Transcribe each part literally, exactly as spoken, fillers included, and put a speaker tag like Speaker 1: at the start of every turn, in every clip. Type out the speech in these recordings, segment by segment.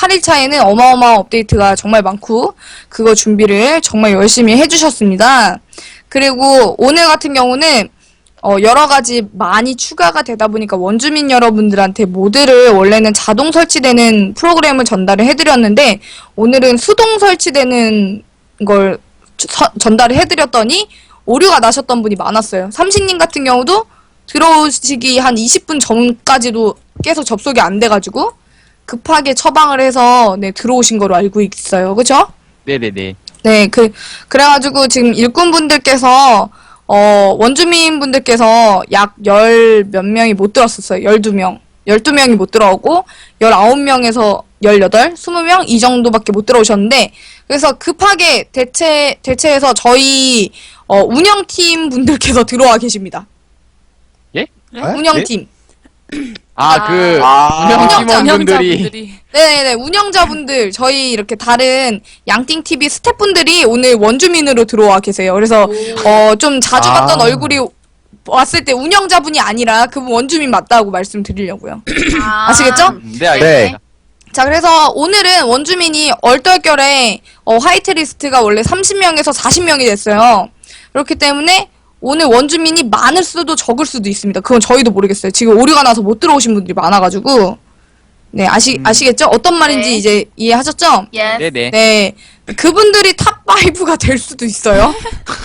Speaker 1: 팔 일차에는 어마어마한 업데이트가 정말 많고 그거 준비를 정말 열심히 해주셨습니다. 그리고 오늘 같은 경우는 어, 여러 가지 많이 추가가 되다 보니까 원주민 여러분들한테 모드를 원래는 자동 설치되는 프로그램을 전달을 해드렸는데 오늘은 수동 설치되는 걸 서, 전달을 해드렸더니 오류가 나셨던 분이 많았어요. 삼식님 같은 경우도 들어오시기 한 이십 분 전까지도 계속 접속이 안 돼가지고 급하게 처방을 해서 네, 들어오신 거로 알고 있어요. 그죠?
Speaker 2: 네네네.
Speaker 1: 네, 그, 그래가지고 지금 일꾼분들께서 어, 원주민분들께서 약 열 몇 명이 못 들었었어요. 열두 명. 열두 명이 못 들어오고, 열아홉 명에서 열여덟, 스무 명 이 정도밖에 못 들어오셨는데, 그래서 급하게 대체, 대체해서 저희, 어, 운영팀 분들께서 들어와 계십니다.
Speaker 2: 예?
Speaker 1: 운영팀.
Speaker 2: 아, 그,
Speaker 3: 아.
Speaker 2: 운영
Speaker 1: 운영자,
Speaker 2: 팀원분들이.
Speaker 4: 운영자분들이.
Speaker 1: 네네네, 운영자분들, 저희 이렇게 다른 양띵티비 스태프분들이 오늘 원주민으로 들어와 계세요. 그래서, 어, 좀 자주
Speaker 3: 아.
Speaker 1: 봤던 얼굴이 왔을 때 운영자분이 아니라 그분 원주민 맞다고 말씀드리려고요.
Speaker 4: 아.
Speaker 1: 아시겠죠?
Speaker 2: 음, 네, 알겠습니다.
Speaker 1: 자, 그래서 오늘은 원주민이 얼떨결에, 어, 화이트리스트가 원래 삼십 명에서 사십 명이 됐어요. 그렇기 때문에 오늘 원주민이 많을 수도 적을 수도 있습니다. 그건 저희도 모르겠어요. 지금 오류가 나서 못 들어오신 분들이 많아가지고. 네, 아시,
Speaker 2: 음.
Speaker 1: 아시겠죠? 어떤 말인지
Speaker 4: 네.
Speaker 1: 이제 이해하셨죠?
Speaker 4: 예.
Speaker 2: 네네.
Speaker 1: 네. 그분들이 탑오가 될 수도 있어요.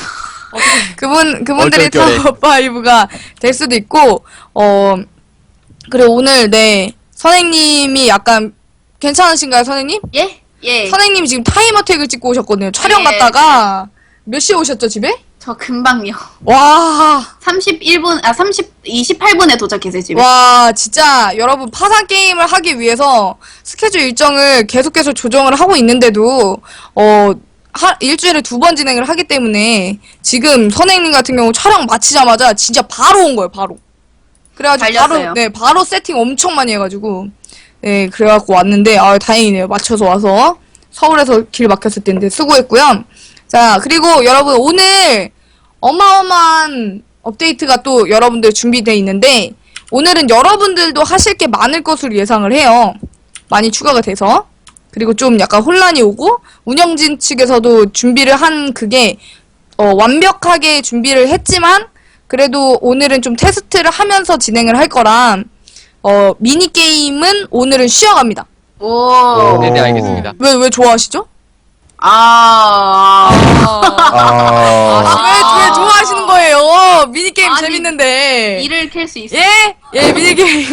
Speaker 1: 그분, 그분들이
Speaker 2: 얼떨결에.
Speaker 1: 탑오가 될 수도 있고, 어, 그리고 오늘, 네. 선생님이 약간, 괜찮으신가요, 선생님?
Speaker 4: 예? 예.
Speaker 1: 선생님이 지금 타임어택을 찍고 오셨거든요. 촬영
Speaker 4: 네.
Speaker 1: 갔다가, 몇 시에 오셨죠, 집에?
Speaker 4: 저 금방요.
Speaker 1: 와,
Speaker 4: 삼십일 분, 아, 삼십, 이십팔 분에 도착했어요, 집에.
Speaker 1: 와, 진짜 여러분 파산 게임을 하기 위해서 스케줄 일정을 계속해서 조정을 하고 있는데도 어 하, 일주일에 두 번 진행을 하기 때문에 지금 선생님 같은 경우 촬영 마치자마자 진짜 바로 온 거예요, 바로. 그래가지고
Speaker 4: 달렸어요.
Speaker 1: 바로 네 바로 세팅 엄청 많이 해가지고 네 그래갖고 왔는데 아 다행이네요, 맞춰서 와서. 서울에서 길 막혔을 텐데 수고했고요. 자, 그리고 여러분 오늘 어마어마한 업데이트가 또 여러분들 준비되어 있는데 오늘은 여러분들도 하실 게 많을 것으로 예상을 해요. 많이 추가가 돼서. 그리고 좀 약간 혼란이 오고 운영진 측에서도 준비를 한 그게 어, 완벽하게 준비를 했지만 그래도 오늘은 좀 테스트를 하면서 진행을 할 거라 어, 미니게임은 오늘은 쉬어갑니다.
Speaker 4: 오.
Speaker 2: 네네, 알겠습니다.
Speaker 1: 왜, 왜 좋아하시죠?
Speaker 4: 아.
Speaker 3: 아.
Speaker 1: 왜, 왜 좋아하시는 거예요? 미니게임
Speaker 4: 아니,
Speaker 1: 재밌는데.
Speaker 4: 일을 캘 수 있어.
Speaker 1: 예? 예, 미니게임.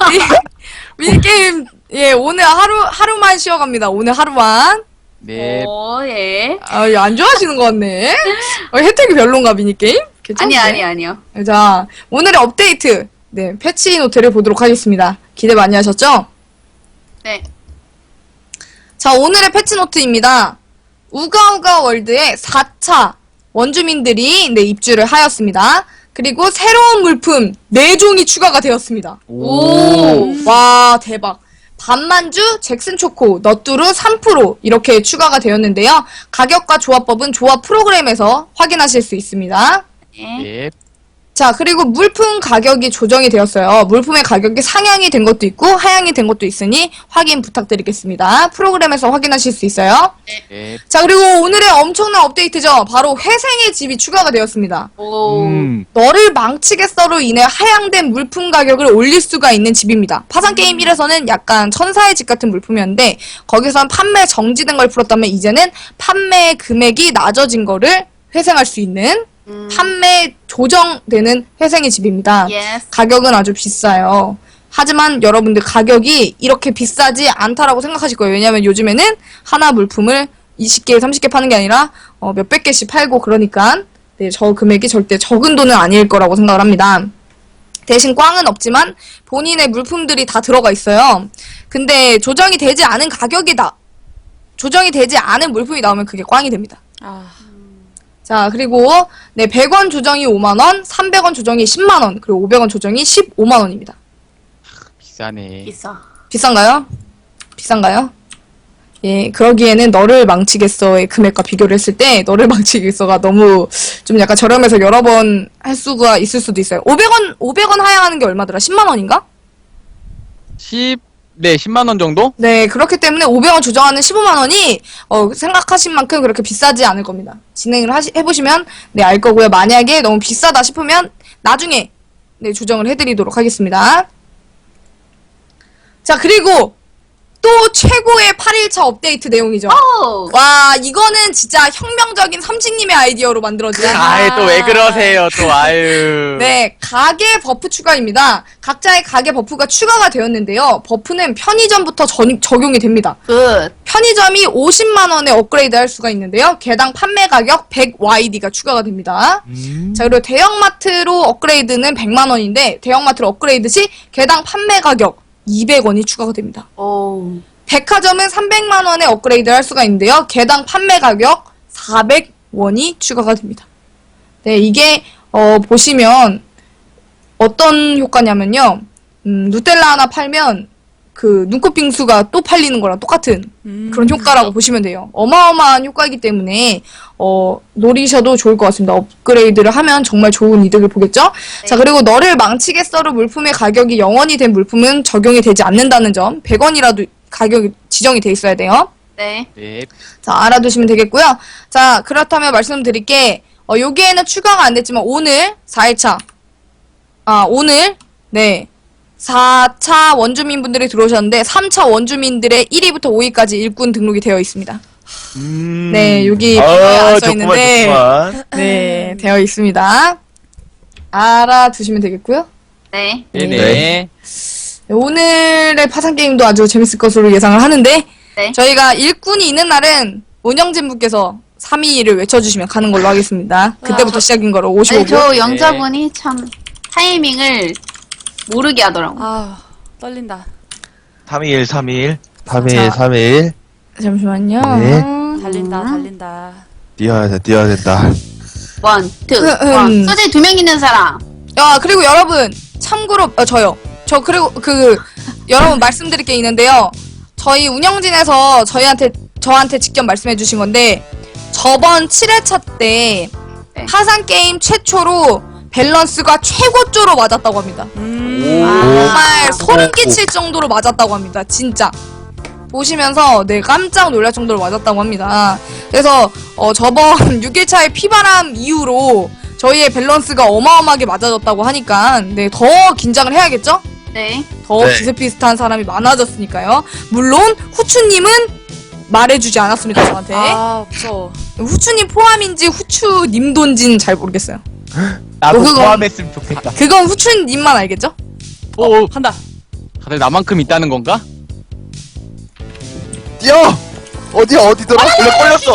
Speaker 1: 미- 미니게임, 예, 오늘 하루, 하루만 쉬어갑니다. 오늘 하루만.
Speaker 2: 네.
Speaker 4: 오, 예.
Speaker 1: 아, 안 좋아하시는 것 같네. 어, 혜택이 별론가, 미니게임?
Speaker 4: 아니,
Speaker 1: 괜찮은데?
Speaker 4: 아니, 아니요.
Speaker 1: 자, 오늘의 업데이트. 네, 패치 노트를 보도록 하겠습니다. 기대 많이 하셨죠?
Speaker 4: 네.
Speaker 1: 자, 오늘의 패치 노트입니다. 우가우가 월드의 사 차 원주민들이 네, 입주를 하였습니다. 그리고 새로운 물품 네 종이 추가가 되었습니다.
Speaker 2: 오.
Speaker 1: 와, 대박. 반만주, 잭슨초코, 너뚜루 삼 퍼센트 이렇게 추가가 되었는데요. 가격과 조합법은 조합 프로그램에서 확인하실 수 있습니다.
Speaker 4: 예.
Speaker 2: 예.
Speaker 1: 자, 그리고 물품 가격이 조정이 되었어요. 물품의 가격이 상향이 된 것도 있고 하향이 된 것도 있으니 확인 부탁드리겠습니다. 프로그램에서 확인하실 수 있어요.
Speaker 2: 예.
Speaker 1: 자, 그리고 오늘의 엄청난 업데이트죠. 바로 회생의 집이 추가가 되었습니다.
Speaker 4: 오.
Speaker 2: 음.
Speaker 1: 너를 망치겠어로 인해 하향된 물품 가격을 올릴 수가 있는 집입니다. 파산게임 일에서는 약간 천사의 집 같은 물품이었는데 거기선 판매 정지된 걸 풀었다면 이제는 판매 금액이 낮아진 거를 회생할 수 있는
Speaker 4: 음.
Speaker 1: 판매 조정되는 회생의 집입니다.
Speaker 4: 예스.
Speaker 1: 가격은 아주 비싸요. 하지만 여러분들 가격이 이렇게 비싸지 않다라고 생각하실 거예요. 왜냐면 요즘에는 하나 물품을 이십 개, 삼십 개 파는 게 아니라 어, 몇백 개씩 팔고 그러니까 네, 저 금액이 절대 적은 돈은 아닐 거라고 생각을 합니다. 대신 꽝은 없지만 본인의 물품들이 다 들어가 있어요. 근데 조정이 되지 않은 가격이 나 조정이 되지 않은 물품이 나오면 그게 꽝이 됩니다.
Speaker 4: 아.
Speaker 1: 자, 그리고 네, 백 원 조정이 오만 원, 삼백 원 조정이 십만 원, 그리고 오백 원 조정이 십오만 원입니다.
Speaker 2: 비싸네.
Speaker 4: 비싸.
Speaker 1: 비싼가요? 비싼가요? 예, 그러기에는 너를 망치겠어의 금액과 비교를 했을 때 너를 망치겠어가 너무 좀 약간 저렴해서 여러 번 할 수가 있을 수도 있어요. 오백 원, 오백 원 하향하는 게 얼마더라? 십만 원인가?
Speaker 2: 십, 네, 십만 원 정도?
Speaker 1: 네, 그렇기 때문에 오백 원 조정하는 십오만 원이 어, 생각하신 만큼 그렇게 비싸지 않을 겁니다. 진행을 하시, 해보시면 네, 알 거고요. 만약에 너무 비싸다 싶으면 나중에 네, 조정을 해드리도록 하겠습니다. 자, 그리고 또 최고의 팔 일차 업데이트 내용이죠.
Speaker 4: 오!
Speaker 1: 와, 이거는 진짜 혁명적인 삼식님의 아이디어로 만들어진
Speaker 2: 아이, 또 왜 그러세요, 또, 아유.
Speaker 1: 네, 가게 버프 추가입니다. 각자의 가게 버프가 추가가 되었는데요. 버프는 편의점부터 전, 적용이 됩니다.
Speaker 4: 굿.
Speaker 1: 편의점이 오십만 원에 업그레이드 할 수가 있는데요. 개당 판매 가격 백 와이디가 추가가 됩니다.
Speaker 2: 음.
Speaker 1: 자, 그리고 대형마트로 업그레이드는 백만 원인데, 대형마트로 업그레이드 시 개당 판매 가격 이백 원이 추가가 됩니다.
Speaker 4: 오.
Speaker 1: 백화점은 삼백만 원에 업그레이드 할 수가 있는데요. 개당 판매 가격 사백 원이 추가가 됩니다. 네, 이게, 어, 보시면, 어떤 효과냐면요. 음, 누텔라 하나 팔면, 그, 눈꽃 빙수가 또 팔리는 거랑 똑같은
Speaker 5: 음.
Speaker 1: 그런 효과라고 보시면 돼요. 어마어마한 효과이기 때문에, 어, 노리셔도 좋을 것 같습니다. 업그레이드를 하면 정말 좋은 이득을 보겠죠?
Speaker 4: 네.
Speaker 1: 자, 그리고 너를 망치겠어로 물품의 가격이 영 원이 된 물품은 적용이 되지 않는다는 점, 백 원이라도 가격이 지정이 돼 있어야 돼요.
Speaker 4: 네.
Speaker 2: 네.
Speaker 1: 자, 알아두시면 되겠고요. 자, 그렇다면 말씀드릴게, 어, 여기에는 추가가 안 됐지만, 오늘, 사 일차. 아, 오늘, 네. 사 차 원주민분들이 들어오셨는데, 삼 차 원주민들의 일 위부터 오 위까지 일꾼 등록이 되어 있습니다.
Speaker 2: 음.
Speaker 1: 네, 여기
Speaker 3: 아,
Speaker 1: 안 써
Speaker 3: 좋구만,
Speaker 1: 있는데,
Speaker 3: 좋구만.
Speaker 1: 네, 되어 있습니다. 알아두시면 되겠고요.
Speaker 4: 네.
Speaker 2: 네네.
Speaker 3: 네.
Speaker 1: 오늘의 파산 게임도 아주 재밌을 것으로 예상을 하는데,
Speaker 4: 네.
Speaker 1: 저희가 일꾼이 있는 날은 운영진 분께서 삼 위를 외쳐주시면 가는 걸로 하겠습니다. 그때부터 시작인 거로 오십오
Speaker 4: 아니,
Speaker 1: 분.
Speaker 4: 저 영자분이 참 타이밍을 모르게 하더라고.
Speaker 5: 아 떨린다.
Speaker 3: 삼 일, 삼 일. 삼 일,
Speaker 1: 자.
Speaker 3: 삼 일.
Speaker 1: 잠시만요.
Speaker 3: 네.
Speaker 5: 달린다
Speaker 4: 음.
Speaker 5: 달린다.
Speaker 3: 뛰어야 돼, 뛰어야 된다.
Speaker 4: 원, 투,
Speaker 1: 음,
Speaker 4: 원.
Speaker 1: 음.
Speaker 4: 소재 두 명 있는 사람.
Speaker 1: 야, 그리고 여러분, 참고로, 어, 저요. 저, 그리고, 그, 여러분 말씀드릴 게 있는데요. 저희 운영진에서 저희한테, 저한테 직접 말씀해 주신 건데, 저번 칠 회차 때,
Speaker 4: 네.
Speaker 1: 파산게임 최초로 밸런스가 최고조로 맞았다고 합니다.
Speaker 5: 음.
Speaker 4: 아.
Speaker 1: 정말 소름 끼칠 정도로 맞았다고 합니다. 진짜. 보시면서 네 깜짝 놀랄 정도로 맞았다고 합니다. 그래서 어, 저번 육 일차의 피바람 이후로 저희의 밸런스가 어마어마하게 맞아졌다고 하니까 네 더 긴장을 해야겠죠?
Speaker 4: 네.
Speaker 1: 더
Speaker 3: 네.
Speaker 1: 비슷비슷한 사람이 많아졌으니까요. 물론 후추님은 말해주지 않았습니다. 저한테.
Speaker 5: 아 무서워.
Speaker 1: 후추님 포함인지 후추님돈지는 잘 모르겠어요.
Speaker 3: 나도
Speaker 1: 어, 그거-
Speaker 3: 포함했으면 좋겠다.
Speaker 1: 그건 후추님만 알겠죠?
Speaker 2: 오,
Speaker 5: 한다.
Speaker 2: 다들 나만큼 있다는 건가?
Speaker 3: 뛰어! 어디, 어디더라? 원래 걸렸어.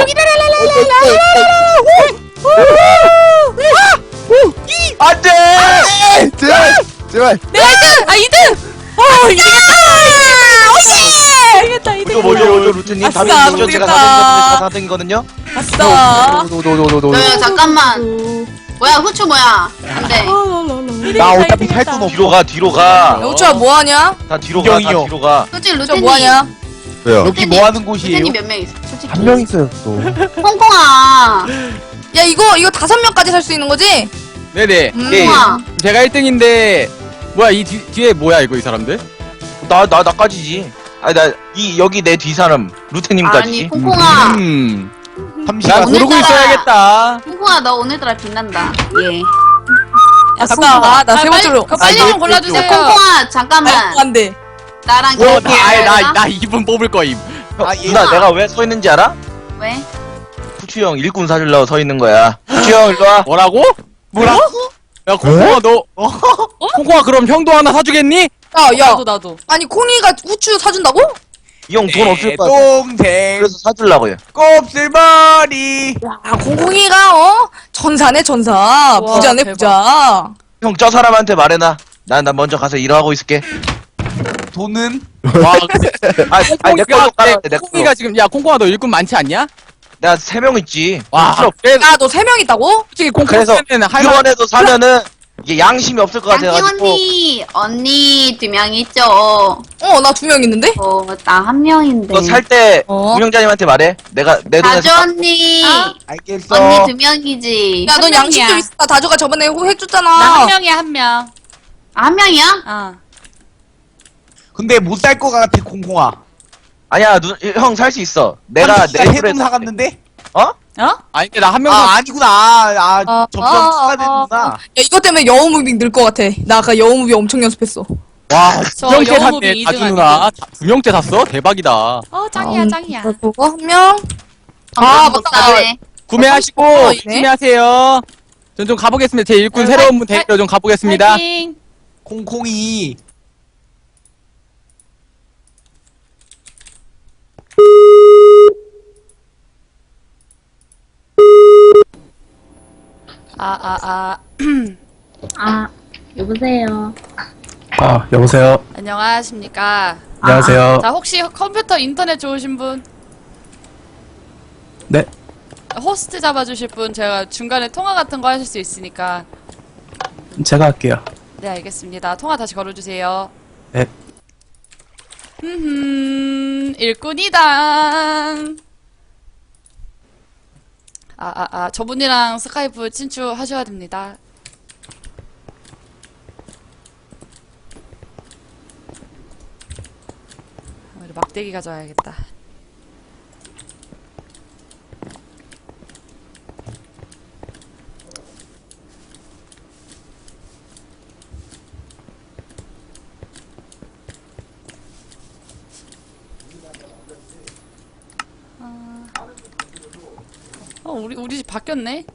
Speaker 3: 안 돼! 제발! 제발!
Speaker 1: 내가 이 등! 아 이 등! 어 이기겠다! 오예!
Speaker 5: 이겼다 이겼다.
Speaker 3: 이거 뭐죠, 뭐죠, 루트님?
Speaker 5: 아싸,
Speaker 3: 다른 거죠? 제가
Speaker 1: 모르겠다.
Speaker 3: 사 등이거든요?
Speaker 1: 아싸!
Speaker 3: 노노노노노노.
Speaker 4: 네, 잠깐만. 뭐야, 후추 뭐야? 안 돼.
Speaker 3: 나 어차피 살 돈 없어. 뒤로 가, 뒤로 가.
Speaker 1: 영철아 뭐하냐?
Speaker 3: 다 뒤로 가, 다
Speaker 6: 이경이요.
Speaker 3: 뒤로 가.
Speaker 4: 솔직히
Speaker 1: 저
Speaker 4: 루테님.
Speaker 1: 뭐하냐?
Speaker 3: 왜요?
Speaker 6: 여기 뭐 하는 곳이에요?
Speaker 4: 루테님 몇 명 있어? 솔직히.
Speaker 3: 한 명 있어요, 또.
Speaker 4: 홍콩아.
Speaker 1: 야 이거 이거 다섯 명까지 살 수 있는 거지?
Speaker 2: 네네.
Speaker 1: 음.
Speaker 3: 예.
Speaker 4: 홍콩아.
Speaker 2: 제가 일 등인데, 뭐야, 이 뒤, 뒤에 뭐야, 이거, 이 사람들?
Speaker 3: 나, 나, 나까지지. 아니, 나, 이, 여기 내 뒤 사람,
Speaker 4: 아니,
Speaker 3: 루테님까지.
Speaker 4: 홍콩아.
Speaker 2: 음.
Speaker 3: 삼시
Speaker 2: 나
Speaker 3: 간
Speaker 2: 고르고
Speaker 4: 오늘따라-
Speaker 2: 있어야겠다.
Speaker 4: 홍콩아, 너 오늘따라 빛난다. 예.
Speaker 1: 야 잠깐 나세 번째로
Speaker 5: 그 빨리 좀
Speaker 3: 아,
Speaker 5: 골라주세요.
Speaker 4: 야, 콩콩아, 잠깐만.
Speaker 1: 안돼
Speaker 4: 나랑
Speaker 3: 어,
Speaker 4: 결혼해야
Speaker 2: 나, 아이, 나,
Speaker 4: 되나?
Speaker 2: 나 이 분 뽑을 거임.
Speaker 3: 형,
Speaker 6: 아,
Speaker 3: 누나,
Speaker 4: 얘가-
Speaker 3: 내가 왜 서 있는지 알아?
Speaker 4: 왜?
Speaker 3: 후추 형 일꾼 사주려고 서 있는 거야. 후추 형, 일로 와.
Speaker 2: 뭐라고? 뭐라고? 야, 콩콩아, 너, 콩콩아, 그럼 형도 하나 사주겠니?
Speaker 1: 야야
Speaker 5: 나도 나도.
Speaker 1: 아니 콩이가 후추 사준다고?
Speaker 3: 이 형 돈 없을 거 같아.
Speaker 6: 동생
Speaker 3: 그래서 사주려고요.
Speaker 6: 곱슬머리
Speaker 1: 야 콩콩이가 어? 전사네 전사 부자네
Speaker 5: 대박.
Speaker 1: 부자
Speaker 3: 형, 저 사람한테 말해놔. 난, 난 먼저 가서 일하고 있을게.
Speaker 6: 돈은
Speaker 2: 와, 근데
Speaker 3: 아, 아니, 내
Speaker 2: 콩콩이가,
Speaker 3: 걸로 깔아야 돼, 내
Speaker 2: 콩콩이가
Speaker 3: 걸로.
Speaker 2: 지금, 야, 콩콩아, 너 일꾼 많지 않냐?
Speaker 3: 내가 세 명 있지.
Speaker 2: 와,
Speaker 3: 필요 없-
Speaker 2: 그래,
Speaker 1: 야너 세 명 있다고?
Speaker 2: 솔직히
Speaker 3: 그래서
Speaker 2: 콩콩이는 할만
Speaker 3: 이번에도 사면은 이게 양심이 없을 것
Speaker 4: 양희
Speaker 3: 같아가지고.
Speaker 4: 언니, 언니 두 명 있죠?
Speaker 1: 어 나 두 명 있는데?
Speaker 4: 어, 나 한 명인데.
Speaker 3: 그거 살 때
Speaker 1: 어?
Speaker 3: 운영자님한테 말해. 내가 내 돈에
Speaker 4: 다주 언니.
Speaker 6: 알겠어.
Speaker 4: 언니 두 명이지.
Speaker 1: 야 넌
Speaker 5: 한
Speaker 1: 양심 좀
Speaker 5: 명이야.
Speaker 1: 있어 다주가 저번에 호-
Speaker 5: 나 한
Speaker 1: 해줬잖아
Speaker 5: 명이야 한 명.
Speaker 4: 아, 한 명이야?
Speaker 5: 어.
Speaker 6: 근데 못 살 것 같아 콩콩아.
Speaker 3: 아니야, 형 살 수 있어. 내가 내
Speaker 6: 세돈
Speaker 3: 툴에
Speaker 6: 사갔는데?
Speaker 3: 어?
Speaker 5: 어?
Speaker 2: 아니 근데 나 한 명.
Speaker 6: 아 아니구나. 아,
Speaker 1: 아,
Speaker 6: 점점
Speaker 1: 아,
Speaker 6: 추가되는구나.
Speaker 1: 야, 이것 때문에 영어 무빙 늘 것 같아. 나 아까 영어 무빙 엄청 연습했어.
Speaker 2: 와,
Speaker 5: 저
Speaker 2: 두 명째
Speaker 5: 영어
Speaker 2: 샀네,
Speaker 5: 무빙
Speaker 2: 다주
Speaker 5: 이 등
Speaker 2: 누나. 두 명째 샀어? 대박이다.
Speaker 5: 어, 짱이야, 짱이야.
Speaker 1: 그거 한 명. 아,
Speaker 4: 아
Speaker 1: 맞다.
Speaker 4: 못하네.
Speaker 2: 구매하시고
Speaker 1: 어, 있네.
Speaker 2: 구매하세요. 전 좀 가보겠습니다. 제 일꾼
Speaker 5: 네,
Speaker 2: 새로운 분
Speaker 5: 화-
Speaker 2: 데리러 좀 가보겠습니다.
Speaker 5: 파이팅!
Speaker 6: 콩콩이.
Speaker 5: 아, 아, 아.
Speaker 7: 아, 여보세요.
Speaker 8: 아, 여보세요.
Speaker 5: 안녕하십니까.
Speaker 8: 안녕하세요.
Speaker 5: 자, 혹시 컴퓨터 인터넷 좋으신 분?
Speaker 8: 네.
Speaker 5: 호스트 잡아주실 분? 제가 중간에 통화 같은 거 하실 수 있으니까.
Speaker 8: 제가 할게요.
Speaker 5: 네, 알겠습니다. 통화 다시 걸어주세요.
Speaker 8: 네.
Speaker 5: 흠흠, 일꾼이당. 아, 아, 아, 저분이랑 스카이프 친추하셔야 됩니다. 우리 막대기 가져와야겠다. 어, 우리, 우리 집 바뀌었네?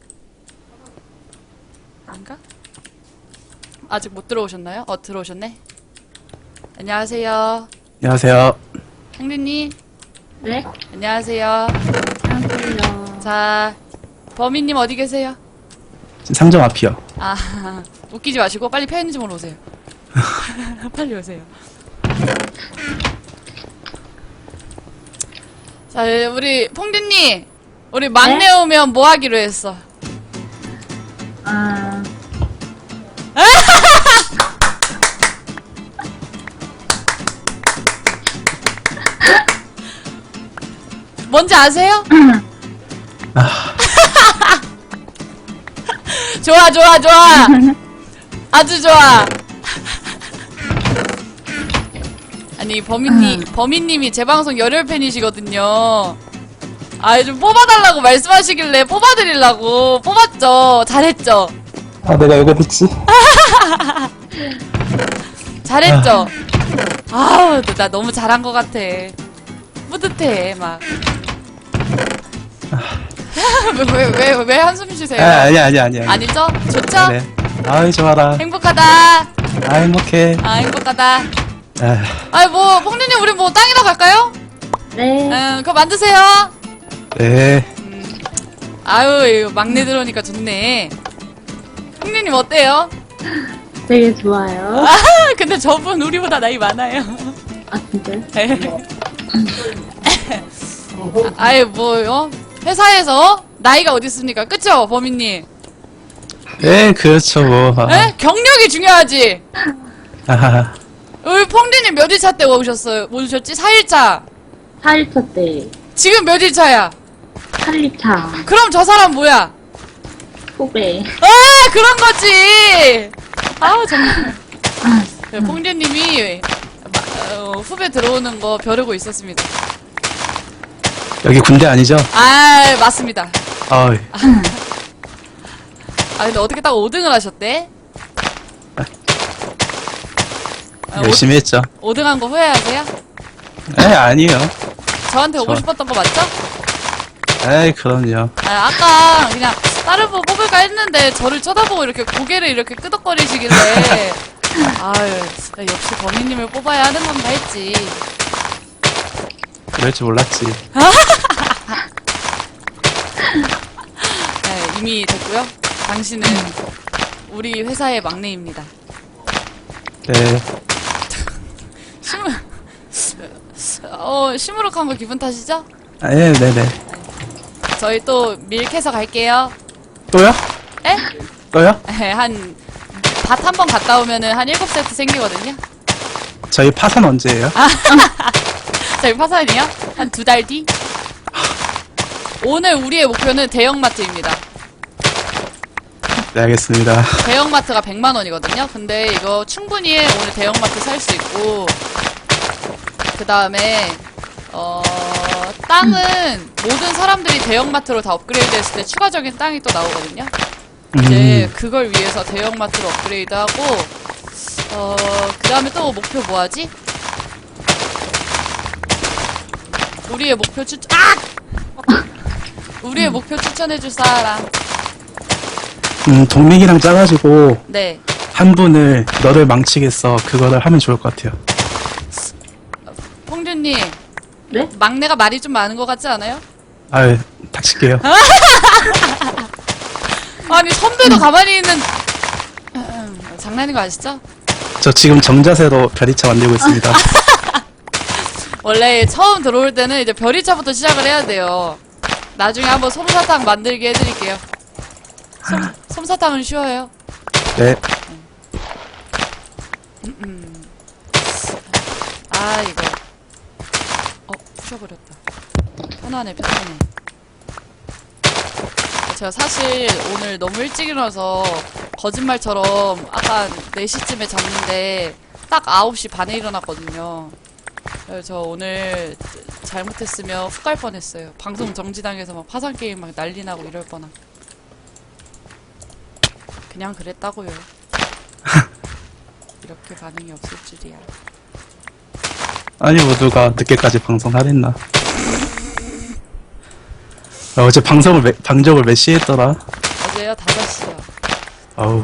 Speaker 5: 아닌가? 아직 못 들어오셨나요? 어, 들어오셨네? 안녕하세요.
Speaker 8: 안녕하세요.
Speaker 5: 형리님,
Speaker 7: 네?
Speaker 5: 안녕하세요.
Speaker 7: 안녕하세요.
Speaker 5: 자, 범인님 어디 계세요?
Speaker 8: 지금 상점 앞이요.
Speaker 5: 아, 웃기지 마시고 빨리 편의점으로 오세요. 빨리 오세요. 자, 우리 퐁디님, 우리 막내
Speaker 7: 네?
Speaker 5: 오면 뭐 하기로 했어?
Speaker 7: 아,
Speaker 5: 뭔지 아세요? 좋아, 좋아, 좋아. 아주 좋아. 아니, 범인님, 범인님이 제 방송 열혈 팬이시거든요. 아, 좀 뽑아달라고 말씀하시길래 뽑아드리려고. 뽑았죠. 잘했죠.
Speaker 8: 아, 내가 여기 있지?
Speaker 5: 잘했죠. 아우, 나 너무 잘한 것 같아. 뿌듯해, 막. 왜, 왜, 왜, 왜 한숨 쉬세요?
Speaker 8: 아, 아니야, 아니야, 아니야.
Speaker 5: 아니죠? 좋죠?
Speaker 8: 네. 아이, 좋아라.
Speaker 5: 행복하다.
Speaker 8: 아, 행복해.
Speaker 5: 아, 행복하다.
Speaker 8: 아,
Speaker 5: 아이, 뭐, 뽕디님, 우리 뭐, 땅이나 갈까요?
Speaker 7: 네.
Speaker 5: 응, 그거 만드세요.
Speaker 8: 네.
Speaker 5: 아유, 이거 막내 들어오니까 좋네. 뽕디님, 어때요?
Speaker 7: 되게 좋아요.
Speaker 5: 아, 근데 저분 우리보다 나이 많아요.
Speaker 7: 아, 진짜요?
Speaker 5: 아, 아이, 뭐요? 회사에서 나이가 어디 있습니까? 그쵸, 범인님?
Speaker 8: 네, 그렇죠, 뭐. 아,
Speaker 5: 에? 경력이 중요하지?
Speaker 8: 아하.
Speaker 5: 우리 퐁디님 몇 일차 때 오셨어요? 뭐 오셨지? 사 일차.
Speaker 7: 사 일차 때,
Speaker 5: 지금 몇 일차야?
Speaker 7: 팔 일차,
Speaker 5: 그럼 저 사람 뭐야?
Speaker 7: 후배.
Speaker 5: 아, 그런 거지! 아우, 정말. 네, 퐁디님이 어, 후배 들어오는 거 벼르고 있었습니다.
Speaker 8: 여기 군대 아니죠?
Speaker 5: 아, 맞습니다.
Speaker 8: 어이.
Speaker 5: 아, 근데 어떻게 딱 오 등을 하셨대? 아,
Speaker 8: 열심히 했죠.
Speaker 5: 오 등 한 거 후회하세요?
Speaker 8: 에, 아니에요.
Speaker 5: 저한테 오고
Speaker 8: 저-
Speaker 5: 싶었던 거 맞죠?
Speaker 8: 에이, 그럼요.
Speaker 5: 아, 아까 그냥 다른 분 뽑을까 했는데 저를 쳐다보고 이렇게 고개를 이렇게 끄덕거리시길래 아유, 역시 범인님을 뽑아야 하는 건가 했지.
Speaker 8: 그럴 줄 몰랐지.
Speaker 5: 네, 이미 됐고요. 당신은 우리 회사의 막내입니다.
Speaker 8: 네.
Speaker 5: 시무, 어, 시무룩한 거 기분 탓이죠?
Speaker 8: 아, 예, 네네.
Speaker 5: 저희 또 밀캐서 갈게요.
Speaker 8: 또요?
Speaker 5: 에?
Speaker 8: 또요?
Speaker 5: 한, 밭 한 번 갔다 오면은 한 일곱 세트 생기거든요?
Speaker 8: 저희 파산 언제예요?
Speaker 5: 저희 파산이요? 한 두 달 뒤? 오늘 우리의 목표는 대형마트입니다.
Speaker 8: 네, 알겠습니다.
Speaker 5: 대형마트가 백만 원이거든요? 근데 이거 충분히 오늘 대형마트 살 수 있고, 그 다음에 어 땅은 모든 사람들이 대형마트로 다 업그레이드했을 때 추가적인 땅이 또 나오거든요. 이제
Speaker 8: 음,
Speaker 5: 그걸 위해서 대형마트로 업그레이드하고 어 그 다음에 또 목표 뭐하지? 우리의 목표 추천 아! 우리의 목표 추천해줄 사람.
Speaker 8: 음, 동맹이랑 짜가지고
Speaker 5: 네.
Speaker 8: 한 분을 너를 망치겠어 그거를 하면 좋을 것 같아요.
Speaker 5: 홍준님.
Speaker 7: 네?
Speaker 5: 막내가 말이 좀 많은 것 같지 않아요?
Speaker 8: 아유, 닥칠게요.
Speaker 5: 아니 선배도 가만히 있는 장난인 거 아시죠?
Speaker 8: 저 지금 정자세로 별이차 만들고 있습니다.
Speaker 5: 원래 처음 들어올 때는 이제 별이차부터 시작을 해야 돼요. 나중에 한번 솜사탕 만들게 해드릴게요. 솜, 솜사탕은 쉬워요.
Speaker 8: 네.
Speaker 5: 아 이거 어 부셔버렸다. 편하네 편하네. 제가 사실 오늘 너무 일찍 일어나서 거짓말처럼 아까 네 시쯤에 잤는데 딱 아홉 시 반에 일어났거든요. 그래서 저 오늘 잘못했으면 훅 갈 뻔했어요. 방송 정지당해서 막 파산게임 막 난리 나고 이럴 뻔한. 그냥 그랬다고요. 이렇게 반응이 없을 줄이야.
Speaker 8: 아니, 뭐, 누가 늦게까지 방송하랬나. 아, 어제 방송을, 몇- 방송을 몇 시에 했더라?
Speaker 5: 어제요 다섯 시요.
Speaker 8: 아우.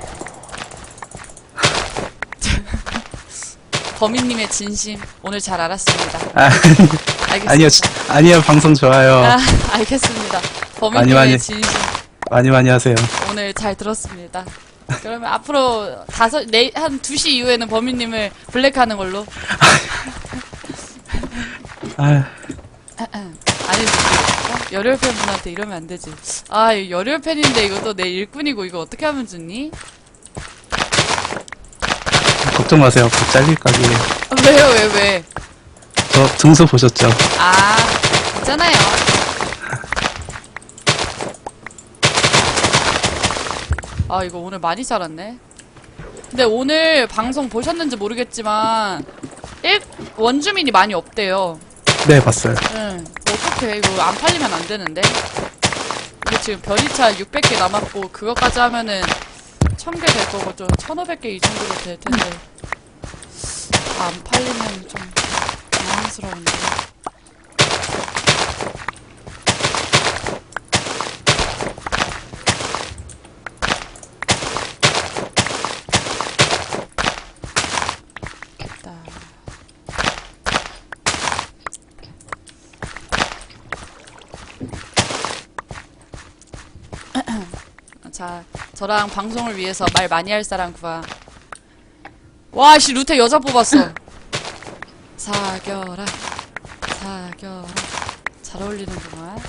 Speaker 5: 범인님의 진심 오늘 잘 알았습니다.
Speaker 8: 아,
Speaker 5: 알겠습니다.
Speaker 8: 아니요, 지- 아니요, 방송 좋아요.
Speaker 5: 아, 알겠습니다. 범인님의
Speaker 8: 많이, 많이.
Speaker 5: 진심
Speaker 8: 많이 많이 하세요.
Speaker 5: 오늘 잘 들었습니다. 그러면 앞으로 다섯 네 한 두 시 이후에는 범인님을 블랙하는 걸로.
Speaker 8: 아,
Speaker 5: 아니 어? 열혈 팬분한테 이러면 안 되지. 아 이거 열혈 팬인데 이것도 내 일꾼이고 이거 어떻게 하면 좋니?
Speaker 8: 걱정 마세요. 곧 잘릴 각이에요.
Speaker 5: 아, 왜요 왜 왜?
Speaker 8: 저 등수 보셨죠?
Speaker 5: 아 있잖아요. 아 이거 오늘 많이 자랐네. 근데 오늘 방송 보셨는지 모르겠지만 일 원주민이 많이 없대요.
Speaker 8: 네, 봤어요.
Speaker 5: 응. 어떡해. 이거 안 팔리면 안 되는데. 이거 지금 별이차 육백 개 남았고, 그거까지 하면은 천 개 될 거고, 좀 천오백 개 이 정도로 될 텐데. 아, 안 팔리면 좀 당황스러운데. 됐다. 자, 저랑 방송을 위해서 말 많이 할 사람 구하. 와, 씨, 루테 여자 뽑았어. 사겨라, 사겨라. 잘 어울리는구만.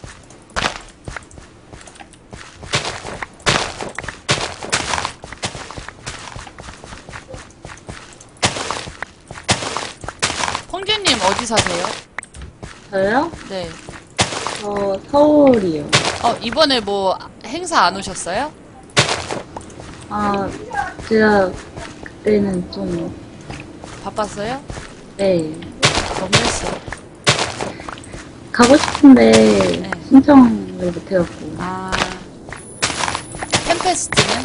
Speaker 5: 펑규님 어디 사세요?
Speaker 7: 저요?
Speaker 5: 네.
Speaker 7: 저 서울이요.
Speaker 5: 어, 이번에 뭐 행사 안 오셨어요?
Speaker 7: 아, 제가 그때는 좀,
Speaker 5: 바빴어요?
Speaker 7: 네.
Speaker 5: 너무했어.
Speaker 7: 가고 싶은데
Speaker 5: 네.
Speaker 7: 신청을 못해갖고.
Speaker 5: 아. 팬페스트는?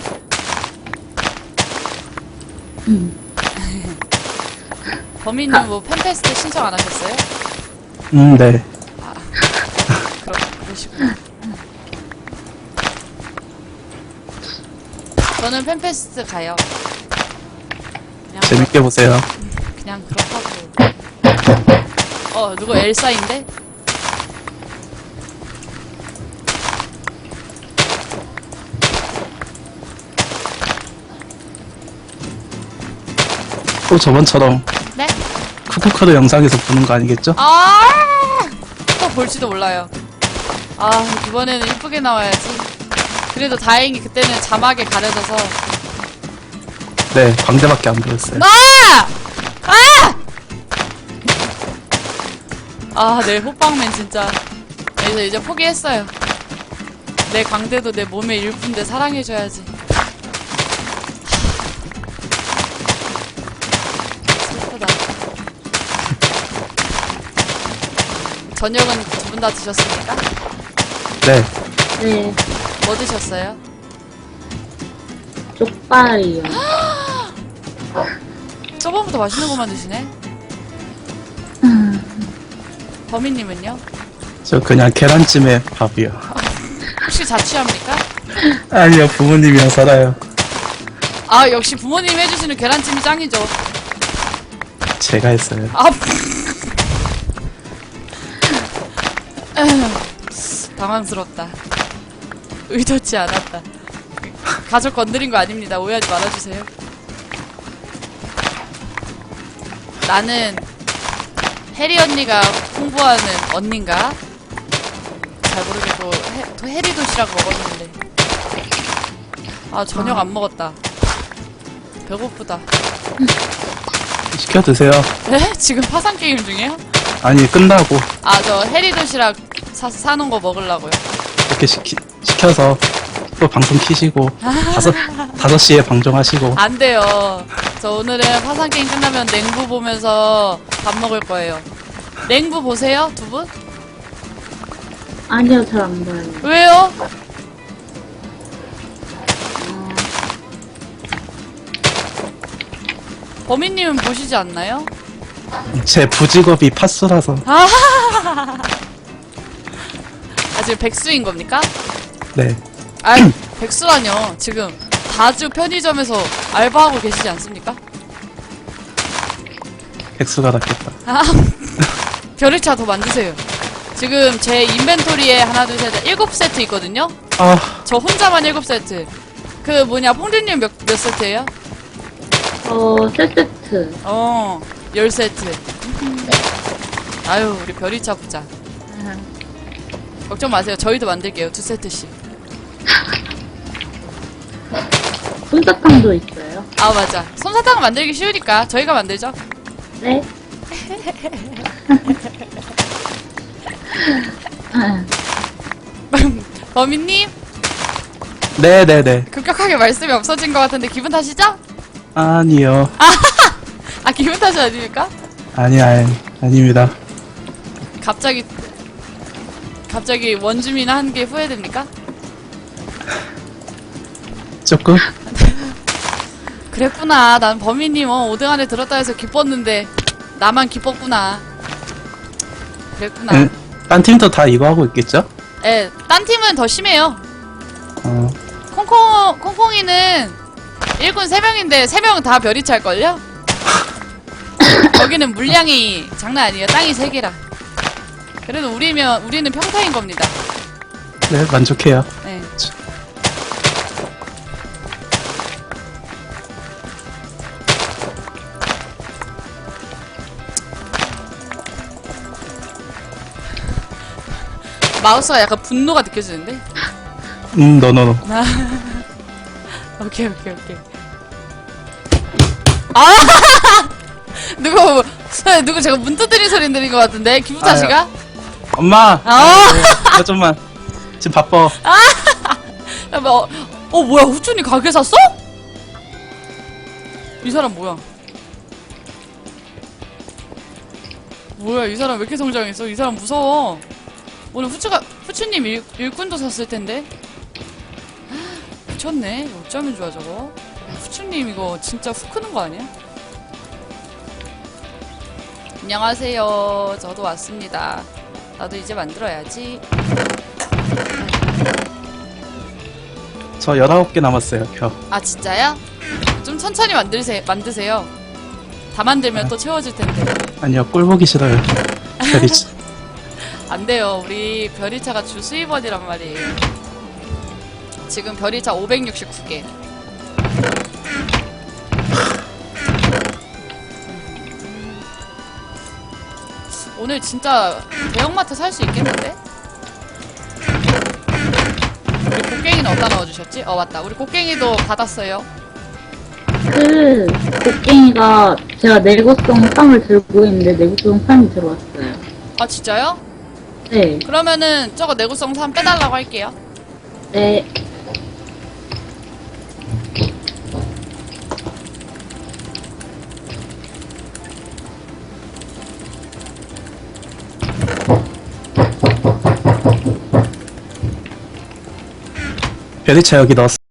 Speaker 7: 음.
Speaker 5: 범인님 뭐 팬페스트 신청 안 하셨어요?
Speaker 8: 음, 네.
Speaker 5: 그럼, 그러시구나. 저는 팬페스트 가요. 그냥,
Speaker 8: 재밌게 보세요.
Speaker 5: 그냥 그렇다고. 어, 누구 엘사인데?
Speaker 8: 또 저번처럼
Speaker 5: 네?
Speaker 8: 쿠쿠카도 영상에서 보는 거 아니겠죠?
Speaker 5: 아! 또 볼지도 몰라요. 아, 이번에는 이쁘게 나와야지. 그래도 다행히 그때는 자막에 가려져서.
Speaker 8: 네, 광대밖에 안 보였어요.
Speaker 5: 아! 아! 아, 내 호빵맨 진짜. 그래서 이제 포기했어요. 내 광대도 내 몸의 일부인데 사랑해줘야지. 슬프다. 저녁은 두 분 다 드셨습니까?
Speaker 8: 네.
Speaker 7: 네.
Speaker 5: 뭐 드셨어요?
Speaker 7: 쪽발이요.
Speaker 5: 저번부터 맛있는 것만 드시네? 범인님은요?
Speaker 8: 저 그냥 계란찜에 밥이요.
Speaker 5: 혹시 자취합니까?
Speaker 8: 아니요, 부모님이랑 살아요.
Speaker 5: 아, 역시 부모님이 해주시는 계란찜이 짱이죠.
Speaker 8: 제가 했어요.
Speaker 5: 아, 당황스럽다. 의도치 않았다. 가족 건드린 거 아닙니다. 오해하지 말아주세요. 나는 해리 언니가 홍보하는 언닌가? 잘 모르겠고 해, 도- 해리 도시락 먹었는데 아 저녁 안 먹었다. 배고프다.
Speaker 8: 시켜 드세요.
Speaker 5: 에? 지금 파산 게임 중이에요?
Speaker 8: 아니, 끝나고
Speaker 5: 아 저 해리 도시락 사, 사놓은 거 먹으려고요.
Speaker 8: 이렇게 시키, 시켜서 또 방송 키시고 다섯 다섯 시에 방송하시고.
Speaker 5: 안 돼요. 저 오늘은 파산 게임 끝나면 냉부 보면서 밥 먹을 거예요. 냉부 보세요, 두 분?
Speaker 7: 아니요, 잘 안 봐요.
Speaker 5: 왜요? 범인님은 보시지 않나요?
Speaker 8: 제 부직업이 파수라서.
Speaker 5: 아 지금 백수인 겁니까?
Speaker 8: 네.
Speaker 5: 아 백수라뇨. 지금 다주 편의점에서 알바하고 계시지 않습니까?
Speaker 8: 백수가 낫겠다.
Speaker 5: 아, 별일차 더 만드세요. 지금 제 인벤토리에 하나, 둘, 셋, 일곱 세트 있거든요?
Speaker 8: 아,
Speaker 5: 저 혼자만 일곱 세트. 그 뭐냐, 퐁드님 몇, 몇 세트예요?
Speaker 7: 어, 세 세트.
Speaker 5: 어, 열 세트. 아유, 우리 별일차 부자. 걱정 마세요. 저희도 만들게요. 두 세트씩.
Speaker 7: 솜사탕도 있어요.
Speaker 5: 아, 맞아. 솜사탕 만들기 쉬우니까 저희가 만들죠.
Speaker 7: 네.
Speaker 5: 범인님,
Speaker 8: 네네네.
Speaker 5: 급격하게 말씀이 없어진 것 같은데 기분 탓이죠?
Speaker 8: 아니요.
Speaker 5: 아, 기분 탓이 아닙니까?
Speaker 8: 아니, 아니, 아닙니다.
Speaker 5: 갑자기, 갑자기 원주민 한 게 후회됩니까?
Speaker 8: 조금?
Speaker 5: 그랬구나. 난 범인님 어, 오 등 안에 들었다 해서 기뻤는데 나만 기뻤구나. 그랬구나.
Speaker 8: 응, 딴 팀도 다 이거 하고 있겠죠?
Speaker 5: 예, 딴 팀은 더 심해요.
Speaker 8: 어,
Speaker 5: 콩콩, 콩콩이는 일꾼 세 명인데 세 명은 다 별이 찰걸요? 거기는 물량이 장난 아니에요. 땅이 세 개라. 그래도 우리면, 우리는 평타인 겁니다.
Speaker 8: 네, 만족해요.
Speaker 5: 네. 마우스가 약간 분노가 느껴지는데?
Speaker 8: 음, 너너너.
Speaker 5: 오케이, 오케이, 오케이. 아! 누구, 누구 제가 문 두드린 소리 들린 것 같은데? 기분 탓이가?
Speaker 8: 엄마!
Speaker 5: 아!
Speaker 8: 이거 좀만. 지금 바빠.
Speaker 5: 야, 뭐, 어, 뭐야, 후춘이 가게 샀어? 이 사람 뭐야? 뭐야, 이 사람 왜 이렇게 성장했어? 이 사람 무서워. 오늘 후추가, 후추님 일, 일꾼도 샀을 텐데? 미쳤네. 어쩌면 좋아, 저거. 후추님 이거 진짜 후 크는 거 아니야? 안녕하세요. 저도 왔습니다. 나도 이제 만들어야지.
Speaker 8: 저 열아홉 개 남았어요, 표.
Speaker 5: 아, 진짜요? 좀 천천히 만드세요. 만드세요. 다 만들면 또 채워질 텐데.
Speaker 8: 아니요, 꼴 보기 싫어요. 별이 치-
Speaker 5: 안 돼요. 우리 별이차가 주 수입원이란 말이에요. 지금 별이차 오백육십구 개. 오늘 진짜 대형마트 살 수 있겠는데? 우리 곡괭이는 어디다 넣어주셨지? 어, 맞다. 우리 곡괭이도 받았어요.
Speaker 7: 그, 곡괭이가 제가 내구성 삼을 들고 있는데 내구성 삼이 들어왔어요.
Speaker 5: 아, 진짜요?
Speaker 7: 네.
Speaker 5: 그러면은 저거 내구성 삼 빼달라고 할게요.
Speaker 7: 네.
Speaker 8: 별이차 여기 넣었어.